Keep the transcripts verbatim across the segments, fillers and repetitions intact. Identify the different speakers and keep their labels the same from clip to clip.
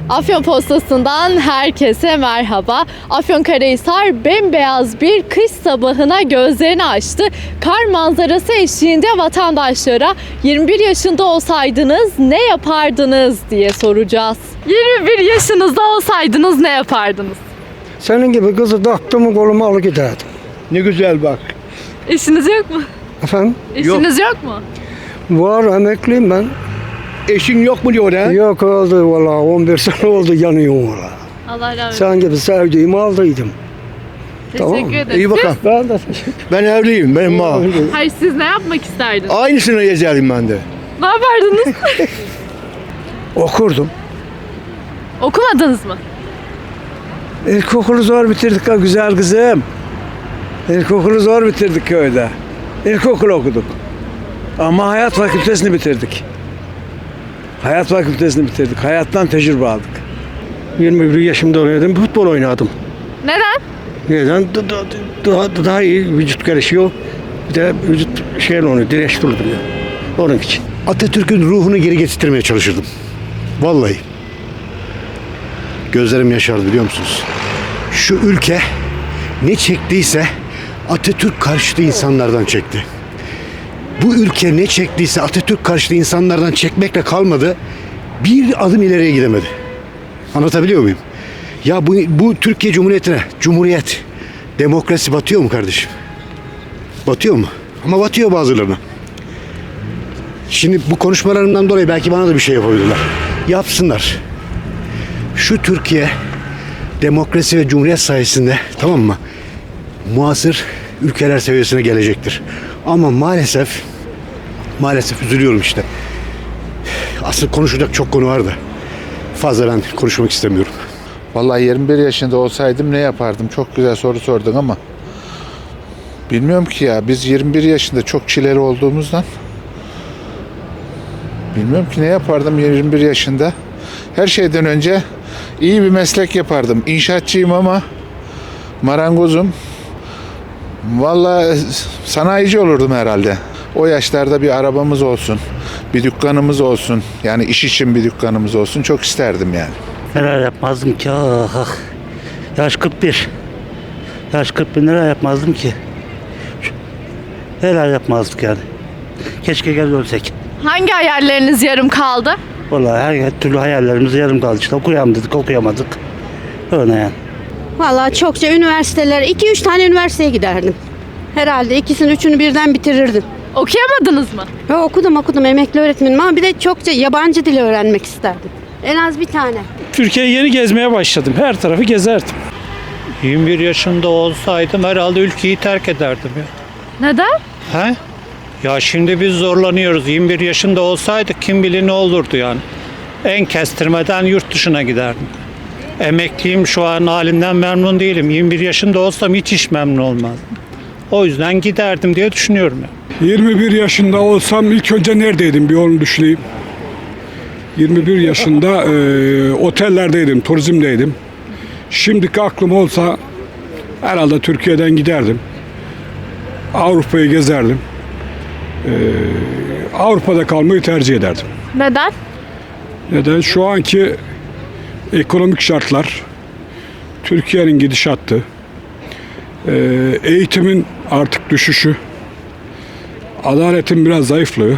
Speaker 1: Afyon Postası'ndan herkese merhaba. Afyonkarahisar bembeyaz bir kış sabahına gözlerini açtı. Kar manzarası eşliğinde vatandaşlara yirmi bir yaşında olsaydınız ne yapardınız diye soracağız. yirmi bir yaşınızda olsaydınız ne yapardınız?
Speaker 2: Senin gibi kızı taktığımı koluma alıp giderdim.
Speaker 3: Ne güzel bak.
Speaker 1: İşiniz yok mu?
Speaker 2: Efendim?
Speaker 1: İşiniz yok, yok mu?
Speaker 2: Var, emekliyim ben.
Speaker 3: Eşin yok mu diyor ha?
Speaker 2: Yok oldu valla, on bir sene oldu yanıyorum valla.
Speaker 1: Allah razı olsun.
Speaker 2: Sen gibi sevdiğimi aldıydım.
Speaker 1: Teşekkür
Speaker 2: tamam.
Speaker 1: ederim.
Speaker 3: İyi bakalım.
Speaker 2: Ben de teşekkür
Speaker 3: Ben evliyim, benim ma.
Speaker 2: ederim.
Speaker 1: Hayır, siz ne yapmak isterdiniz?
Speaker 3: Aynısını yazarım ben de.
Speaker 1: Ne yapardınız?
Speaker 2: Okurdum.
Speaker 1: Okumadınız mı?
Speaker 2: İlkokulu zor bitirdik ha güzel kızım. İlkokulu zor bitirdik köyde. İlkokul okuduk. Ama hayat fakültesini bitirdik. Hayat fakültesini bitirdik. Hayattan tecrübe aldık. yirmi bir yaşımda oynadım, futbol oynadım.
Speaker 1: Neden?
Speaker 2: Neden? Da- da- Daha, daha iyi vücut gelişiyor. Bir de vücut şeyle onu dirençli oluyor. Onun için.
Speaker 4: Atatürk'ün ruhunu geri getirmeye çalışırdım. Vallahi. Gözlerim yaşardı biliyor musunuz? Şu ülke ne çektiyse Atatürk karşıtı insanlardan çekti. Bu ülke ne çektiyse Atatürk karşıtı insanlardan çekmekle kalmadı. Bir adım ileriye gidemedi. Anlatabiliyor muyum? Ya bu, bu Türkiye Cumhuriyeti'ne, Cumhuriyet, demokrasi batıyor mu kardeşim? Batıyor mu? Ama batıyor bazılarına. Şimdi bu konuşmalarımdan dolayı belki bana da bir şey yapabilirler. Yapsınlar. Şu Türkiye demokrasi ve cumhuriyet sayesinde, tamam mı, muasır ülkeler seviyesine gelecektir. Ama maalesef maalesef üzülüyorum işte. Aslında konuşacak çok konu var da fazla ben konuşmak istemiyorum.
Speaker 5: Vallahi yirmi bir yaşında olsaydım ne yapardım? Çok güzel soru sordun ama bilmiyorum ki ya. Biz yirmi bir yaşında çok çileli olduğumuzdan bilmiyorum ki ne yapardım yirmi bir yaşında. Her şeyden önce iyi bir meslek yapardım. İnşaatçıyım ama marangozum. Vallahi sanayici olurdum herhalde. O yaşlarda bir arabamız olsun, bir dükkanımız olsun. Yani iş için bir dükkanımız olsun. Çok isterdim yani.
Speaker 6: Neler yapmazdım ki ah ah. Yaş kırk bir. Yaş kırk bir neler yapmazdım ki. Neler yapmazdık yani. Keşke gel ölsek.
Speaker 1: Hangi hayalleriniz yarım kaldı?
Speaker 6: Vallahi her türlü hayallerimiz yarım kaldı işte. Okuyalım dedik, okuyamadık. Öyle yani.
Speaker 7: Vallahi çokça üniversiteler, iki üç tane üniversiteye giderdim. Herhalde ikisini üçünü birden bitirirdim.
Speaker 1: Okuyamadınız mı?
Speaker 7: Ve okudum okudum emekli öğretmenim ama bir de çokça yabancı dili öğrenmek isterdim. En az bir tane.
Speaker 8: Türkiye'yi yeni gezmeye başladım. Her tarafı gezerdim.
Speaker 9: yirmi bir yaşında olsaydım herhalde ülkeyi terk ederdim ya.
Speaker 1: Neden?
Speaker 9: He? Ya şimdi biz zorlanıyoruz. yirmi bir yaşında olsaydık kim bilir ne olurdu yani. En kestirmeden yurt dışına giderdim. Emekliyim, şu an halimden memnun değilim. yirmi bir yaşında olsam hiç hiç memnun olmazdım. O yüzden giderdim diye düşünüyorum ya.
Speaker 10: yirmi bir yaşında olsam ilk önce neredeydim bir onu düşüneyim. yirmi bir yaşında e, otellerdeydim, turizmdeydim. Şimdiki aklım olsa herhalde Türkiye'den giderdim. Avrupa'yı gezerdim. E, Avrupa'da kalmayı tercih ederdim.
Speaker 1: Neden?
Speaker 10: Neden? Şu anki ekonomik şartlar, Türkiye'nin gidişatı, e, eğitimin artık düşüşü, adaletin biraz zayıflığı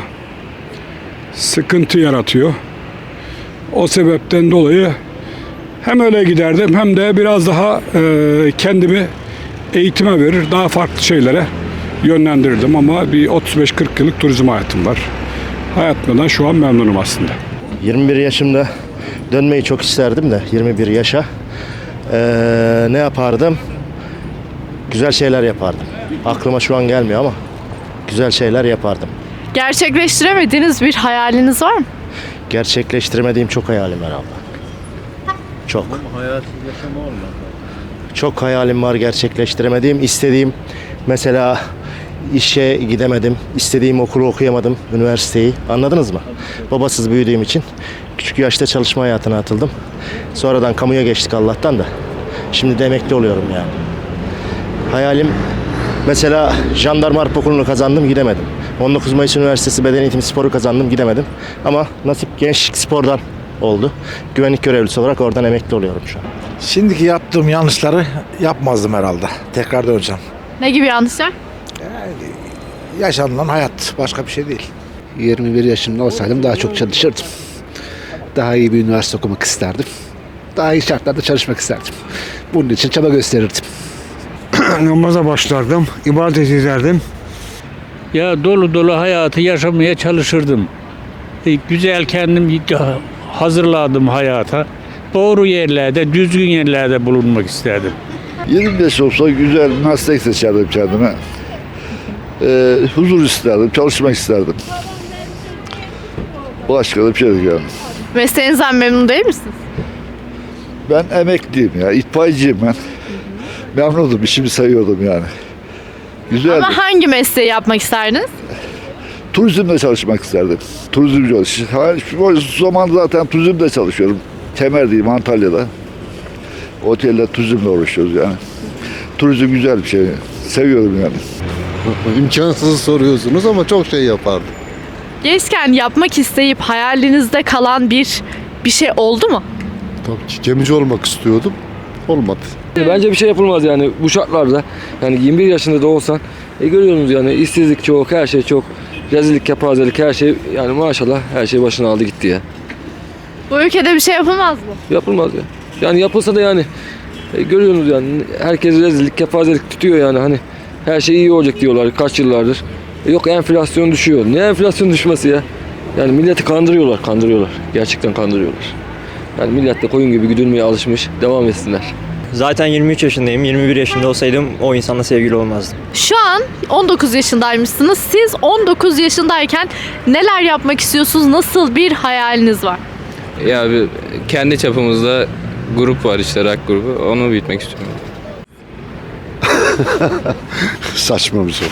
Speaker 10: sıkıntı yaratıyor. O sebepten dolayı hem öyle giderdim hem de biraz daha e, kendimi eğitime verir, daha farklı şeylere yönlendirirdim ama bir otuz beş kırk yıllık turizm hayatım var. Hayatımdan şu an memnunum aslında.
Speaker 11: yirmi bir yaşımda dönmeyi çok isterdim de yirmi bir yaşa. Ee, ne yapardım? Güzel şeyler yapardım. Aklıma şu an gelmiyor ama güzel şeyler yapardım.
Speaker 1: Gerçekleştiremediğiniz bir hayaliniz var mı?
Speaker 11: Gerçekleştiremediğim çok hayalim var abla. Çok. Çok hayalim var gerçekleştiremediğim. İstediğim mesela işe gidemedim. İstediğim okulu okuyamadım. Üniversiteyi. Anladınız mı? Babasız büyüdüğüm için küçük yaşta çalışma hayatına atıldım. Sonradan kamuya geçtik Allah'tan da. Şimdi de emekli oluyorum yani. Hayalim mesela jandarma harp okulunu kazandım gidemedim. on dokuz Mayıs Üniversitesi Beden Eğitimi Sporu kazandım gidemedim. Ama nasip Gençlik Spor'dan oldu. Güvenlik görevlisi olarak oradan emekli oluyorum şu an.
Speaker 3: Şimdiki yaptığım yanlışları yapmazdım herhalde. Tekrar döneceğim.
Speaker 1: Ne gibi yanlışlar?
Speaker 3: Yaşanılan hayat başka bir şey değil.
Speaker 4: yirmi bir yaşımda olsaydım daha çok çalışırdım. Daha iyi bir üniversite okumak isterdim. Daha iyi şartlarda çalışmak isterdim. Bunun için çaba gösterirdim.
Speaker 2: Namaza başlardım, ibadet ederdim.
Speaker 8: Ya dolu dolu hayatı yaşamaya çalışırdım. E, güzel kendim hazırladım hayata. Doğru yerlerde, düzgün yerlerde bulunmak isterdim.
Speaker 3: yirmi beş olsa güzel bir meslek seçerdim kendime. Ee, huzur isterdim, çalışmak isterdim. Başka da bir şey yok yani.
Speaker 1: Mesleğinizden memnun değil misiniz?
Speaker 3: Ben emekliyim ya, itfaiyeciyim ben. Memnunum, işimi seviyordum yani. Güzeldi.
Speaker 1: Ama hangi mesleği yapmak isterdiniz?
Speaker 3: Turizmde çalışmak isterdim. Turizmci ol. Şu zaman zaten turizmde çalışıyorum. Kemer'deyim, Antalya'da. Otelde turizmle uğraşıyoruz yani. Turizm güzel bir şey. Seviyorum yani.
Speaker 12: İmkansızı soruyorsunuz ama çok şey yapardım.
Speaker 1: Gençken yapmak isteyip hayalinizde kalan bir bir şey oldu mu?
Speaker 12: Tabii ki gemici olmak istiyordum. Olmadı.
Speaker 13: Bence bir şey yapılmaz yani bu şartlarda. Yani yirmi bir yaşında da olsan e, görüyorsunuz yani işsizlik çok, her şey çok. Rezillik, kepazelik, her şey yani maşallah her şey başına aldı gitti ya.
Speaker 1: Bu ülkede bir şey yapılmaz mı?
Speaker 13: Yapılmaz ya. Yani yapılsa da yani e, görüyorsunuz yani herkes rezillik, kepazelik tutuyor yani hani her şey iyi olacak diyorlar kaç yıllardır. E, yok enflasyon düşüyor. Ne enflasyon düşmesi ya? Yani milleti kandırıyorlar, kandırıyorlar. Gerçekten kandırıyorlar. Yani millet de koyun gibi güdülmeye alışmış. Devam etsinler.
Speaker 11: Zaten yirmi üç yaşındayım. yirmi bir yaşında olsaydım o insanla sevgili olmazdım.
Speaker 1: Şu an on dokuz yaşındaymışsınız. Siz on dokuz yaşındayken neler yapmak istiyorsunuz? Nasıl bir hayaliniz var?
Speaker 13: Ya bir kendi çapımızda grup var işte rock grubu. Onu büyütmek istiyorum.
Speaker 4: Saçma bir soru.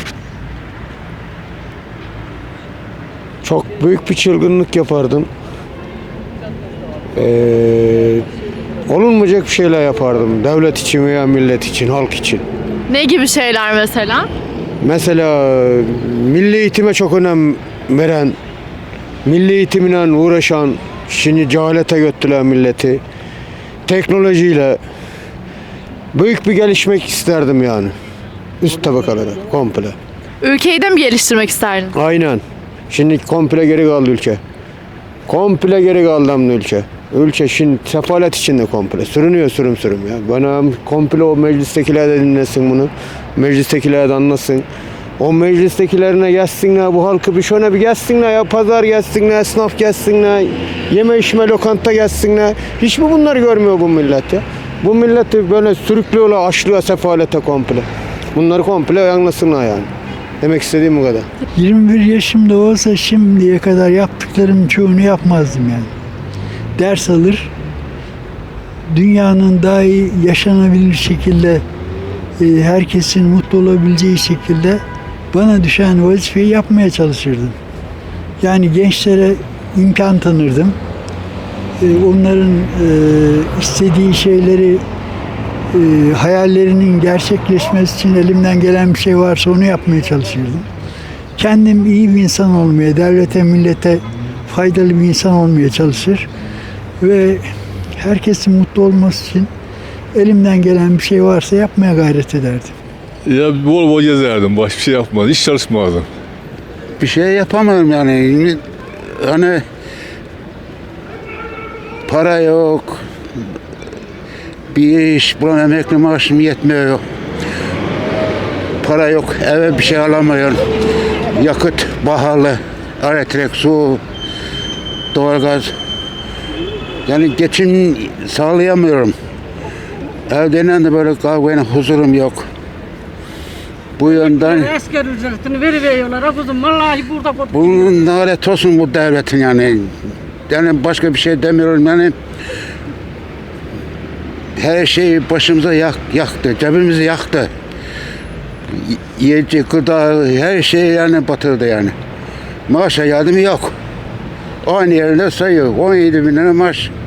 Speaker 2: Çok büyük bir çılgınlık yapardım. Ee, olunmayacak bir şeyler yapardım. Devlet için veya millet için, halk için.
Speaker 1: Ne gibi şeyler mesela?
Speaker 2: Mesela milli eğitime çok önem veren, milli eğitimle uğraşan, şimdi cehalete götürdüler milleti. Teknolojiyle büyük bir gelişmek isterdim yani. Üst tabakalara komple.
Speaker 1: Ülkeyi de mi geliştirmek isterdiniz?
Speaker 2: Aynen. Şimdi komple geri kaldı ülke. Komple geri kaldı amına ülke. Ülke şimdi sefalet içinde komple. Sürünüyor sürüm sürüm ya. Bana komple o meclistekiler de dinlesin bunu. Meclistekiler de anlasın. O meclistekilerine gelsinler, bu halkı bir şöyle bir gelsinler ya. Pazar gelsinler, esnaf gelsinler. Yeme içme lokanta gelsinler. Hiç mi bunları görmüyor bu millet ya? Bu milleti böyle sürüklüyorlar, aşlıyor sefalete komple. Bunları komple anlasınlar yani. Demek istediğim bu kadar.
Speaker 14: yirmi bir yaşımda olsa şimdiye kadar yaptıklarımın çoğunu yapmazdım yani. Ders alır, dünyanın daha iyi yaşanabilir şekilde, e, herkesin mutlu olabileceği şekilde bana düşen vazifeyi yapmaya çalışırdım. Yani gençlere imkan tanırdım. E, onların e, istediği şeyleri, e, hayallerinin gerçekleşmesi için elimden gelen bir şey varsa onu yapmaya çalışırdım. Kendim iyi bir insan olmaya, devlete, millete faydalı bir insan olmaya çalışır ve herkesin mutlu olması için elimden gelen bir şey varsa yapmaya gayret ederdim.
Speaker 12: Ya bol bol gezerdim. Başka bir şey yapmadım. Hiç çalışmazdım.
Speaker 2: Bir şey yapamıyorum yani. Hani para yok. Bir iş bulan emekli maaşım yetmiyor. Para yok. Eve bir şey alamıyorum. Yakıt pahalı. Elektrik, su, doğalgaz. Yani geçim sağlayamıyorum. Evden de böyle kavgayla huzurum yok. Bu yönden
Speaker 15: Esker ücretini veriyorlar. Kuzum vallahi burada
Speaker 2: bunun lanet olsun bu devletin yani. Yani başka bir şey demiyorum yani. Her şeyi başımıza yak, yaktı, cebimizi yaktı. Yiyecek, gıda, her şey yani batırdı yani. Maaşa yardımı yok. Aynı yerinde sayıyor. on yedi bin lira maaş.